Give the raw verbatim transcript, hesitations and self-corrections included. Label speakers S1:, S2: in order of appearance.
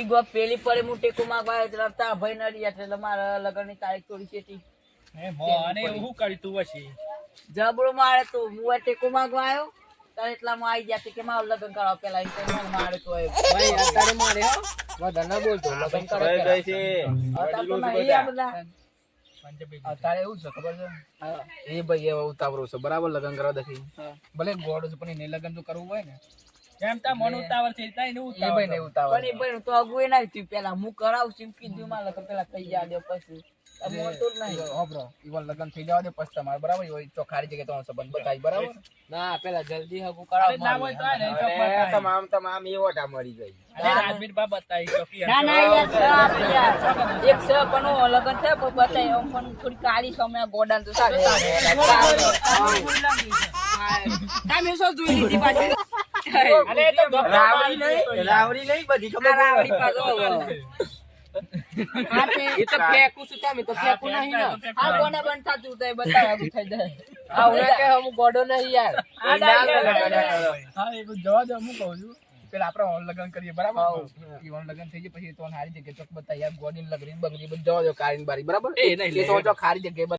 S1: પેલી ગો પેલી પડે હું ટેકો માંગવા આવ્યો એટલે તા ભાઈ નડી એટલે મારા લગનની તારીખ થોડી છેટી
S2: હે મો અને હું કરી તું વસી
S1: જબરો મારે તો હું ટેકો માંગવા આવ્યો તારે એટલામાં આવી ગયા કે મારું લગન કરાવ પેલા એમ મને મારે તો ભાઈ અત્યારે મારે હો વધારે ના બોલતો લગન કરાવ ગઈ છે અત્યારે તો નહીં આ બધા
S3: અત્યારે એવું છે ખબર છે એ ભાઈ એવો ઉતાવળો છે બરાબર લગન કરવા દખી ભલે ગોડ છે પણ એને લગન તો કરવું હોય ને
S2: કેમ તા મન ઉતાવળ છે તાઈ ને
S3: એ
S2: ઉતાવળ
S3: ભાઈ ને ઉતાવળ
S1: પણ એ ભાઈ તો અગુએ ના થયું પેલા હું કરાવું છું કીધું મારે લગન પેલા થઈ ગયા દે પછી મોટો જ નહીં
S3: હોબરો ઈવન લગન થઈ જવા દે પછી તમારે બરાબર હોય તો ખારી જગ્યાએ તમારો સંબંધ બતાવી બરાબર
S1: ના પેલા જલ્દી હગુ
S2: અરે
S1: કરાવ
S2: ના હોય તો આ ને તો
S4: તમામ તમામ એવોટા મળી ગઈ
S2: અરે રાજવીર બા બતાઈ ચોકી
S1: ના ના યાર છ આપી યાર એક છ પણ ઓ લગન છે પણ બતાય આમ પણ થોડી કાળી સમય ગોડાન તો સારું તમે શું જોઈ લીધી પાછી
S2: અરે તો
S4: રાવડી નહીં રાવડી નહીં બધી ખબર
S1: રાવડી પાછો હા તે
S3: એ તો ફેંકું છું તમે તો ફેંકું નહીં ને
S1: આ કોને બંધ થાતું તો એ બતાય હગુ થઈ જાય
S3: આ હું કે હું ગોડો નહીં યાર
S1: આ ડાય
S3: હા એ જવા દે હું કહું છું પેલા આપણે ઓન લગન કરીએ બરાબર ઈ ઓન લગન થઈ જાય પછી તો હારી જગ્યાએ ચોક બતાવી યાર ગોડીન લગરી બંગડી બધું જવા દો કારીન બારી બરાબર
S2: એ નહીં
S3: એ તો જો ખારી જગ્યાએ